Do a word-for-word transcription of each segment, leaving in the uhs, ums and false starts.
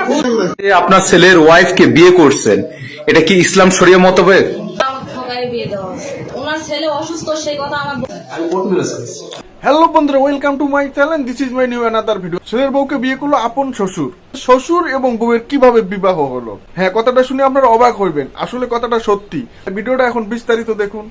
আপনার ছেলের ওয়াইফকে বিয়ে করছেন, এটা কি ইসলাম শরিয়া মোতাবেক? হ্যালো বন্ধুরা, welcome to my channel. This is my new another video. ছেলের বউকে বিয়ে করলো আপন শ্বশুর। শ্বশুর এবং বউয়ের কিভাবে বিবাহ হলো? হ্যাঁ, কথাটা শুনে আপনারা অবাক হইবেন। আসলে কথাটা সত্যি। ভিডিওটা এখন বিস্তারিত দেখুন।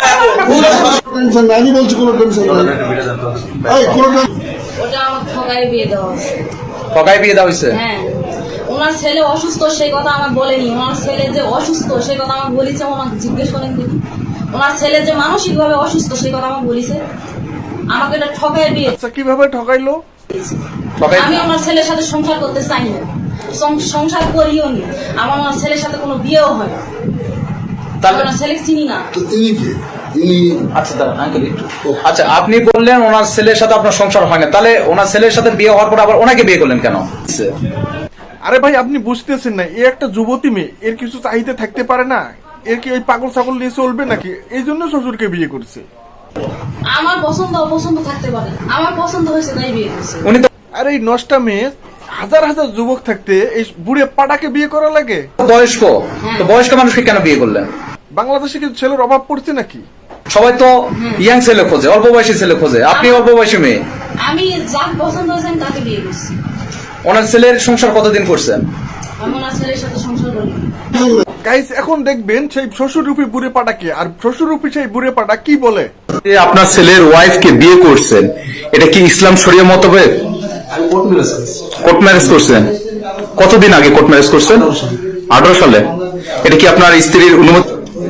আমি বলছি কোনো টেনশন নাই। এই কোনো ওটা আমার ঠকাই বিয়ে দেওয়া হয়েছে। ঠকাই বিয়ে দেওয়া হয়েছে? হ্যাঁ, ওনার ছেলে অসুস্থ সেই কথা আমার বলেনি। ওনার ছেলে যে অসুস্থ সেই কথা আমার বলেছে, ওনাকে জিজ্ঞেস করেন দেখি। ওনার ছেলে যে মানসিক ভাবে অসুস্থ সেই কথা আমার বলেছে। আমাকে এটা ঠকাই বিয়ে। আচ্ছা, কিভাবে ঠকাইলো? আমি আমার ছেলের সাথে সংসার করতে চাই না, সং- সংসার করিও নি। আমার ওনার ছেলের সাথে কোনো বিয়েও হয় না। তাহলে ওনার ছেলে চিনি না। তো ইনি কে? ইনি আচ্ছা দাঁড়ান আঙ্কেল একটু। আচ্ছা, আপনি বললেন ওনার ছেলের সাথে আপনার সংসার হয় না, তাহলে ওনার ছেলের সাথে বিয়ে হওয়ার পর আবার ওনাকে বিয়ে করলেন কেন? আরে ভাই, আপনি বুঝতেছেন না, এ একটা যুবতী মেয়ে, এর কিছু চাহিদা থাকতে পারে না? এর কি ওই পাগল ছাগল নিয়ে চলবে নাকি? এই জন্য শ্বশুরকে বিয়ে করছে। আমার পছন্দ অপছন্দ থাকতে পারে, আমার পছন্দ হয়েছে তাই বিয়ে করছে। উনি তো আর এই নষ্টা মেয়ে, হাজার হাজার যুবক থাকতে এই বুড়ে পাটাকে বিয়ে করা লাগে? বয়স্ক, তো বয়স্ক মানুষকে কেন বিয়ে করলেন? বাংলাদেশে কি ছেলের অভাব পড়ছে নাকি? সবাই তো ইয়াং ছেলে খোঁজে, অল্প বয়সী ছেলে খোঁজে, আপনি অল্প বয়সী মেয়ে। আমি যার পছন্দ হয়েছে আমি তাকে বিয়ে করছি। ওনার ছেলের সংসার কতদিন করছেন? আমি ওনার ছেলের সাথে সংসার করি। গাইস, এখন দেখবেন সেই শ্বশুররূপী বুড়ে পাটাকে, আর শ্বশুররূপী সেই বুড়ে পাটা কি বলে। আপনার ছেলের ওয়াইফকে বিয়ে করছেন, এটা কি ইসলাম শরিয়া মোতাবেক? কোর্ট ম্যারেজ করছেন? কতদিন আগে কোর্ট ম্যারেজ করছেন? আঠারো সালে। এটা কি আপনার স্ত্রীর অনুমতি?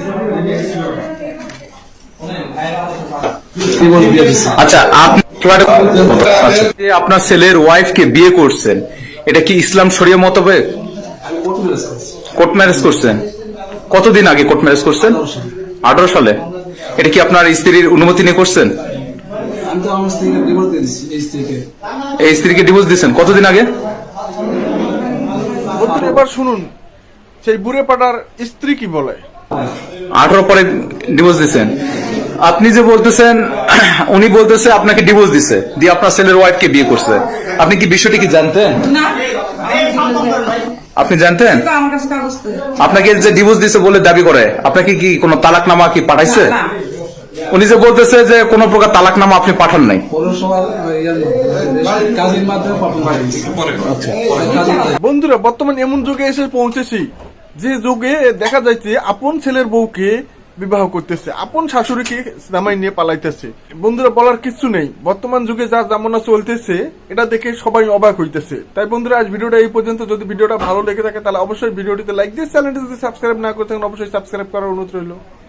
আচ্ছা, আপনি আচ্ছা, আপনার ছেলের ওয়াইফকে বিয়ে করছেন, এটা কি ইসলাম শরিয়া মোতাবেক? কোর্ট ম্যারেজ করছেন? কতদিন আগে কোর্ট ম্যারেজ করছেন? আঠারো সালে। এটা কি আপনার স্ত্রীর অনুমতি নিয়ে করছেন? এই স্ত্রীকে ডিভোর্স দিয়েছেন কতদিন আগে? বন্ধুরা, এবার শুনুন সেই বুড়ে পাটার স্ত্রী কি বলে। আঠারো পরে ডিভোর্স দিয়েছেন। আপনি যে বলতেছেন, উনি বলতেছে আপনাকে ডিভোর্স দিছে, দিয়ে আপনার ছেলের ওয়াইফকে বিয়ে করছে। আপনি কি বিষয়টি কি জানতেন? আপনি জানতেন? আপনাকে যে ডিভোর্স দিছে বলে দাবি করে, আপনাকে কি কোনো তালাকনামা কি পাঠাইছে? উনি যে বলতেছে যে কোনো প্রকার তালাকনামা আপনি পাঠান নাই। বন্ধুরা, বর্তমান এমন যুগে এসে পৌঁছেছি যে যুগে দেখা যাচ্ছে আপন ছেলের বউকে বিবাহ করতেছে, আপন শাশুড়িকে জামাই নিয়ে পালাইতেছে। বন্ধুরা, বলার কিছু নেই। বর্তমান যুগে যা জামানা চলতেছে এটা দেখে সবাই অবাক হইতেছে। তাই বন্ধুরা, আজ ভিডিওটা এই পর্যন্ত। যদি ভিডিওটা ভালো লেগে থাকে তাহলে অবশ্যই ভিডিওটিতে লাইক দিয়ে চ্যানেলটি যদি সাবস্ক্রাইব না করে থাকেন অবশ্যই সাবস্ক্রাইব করার অনুরোধ রইল।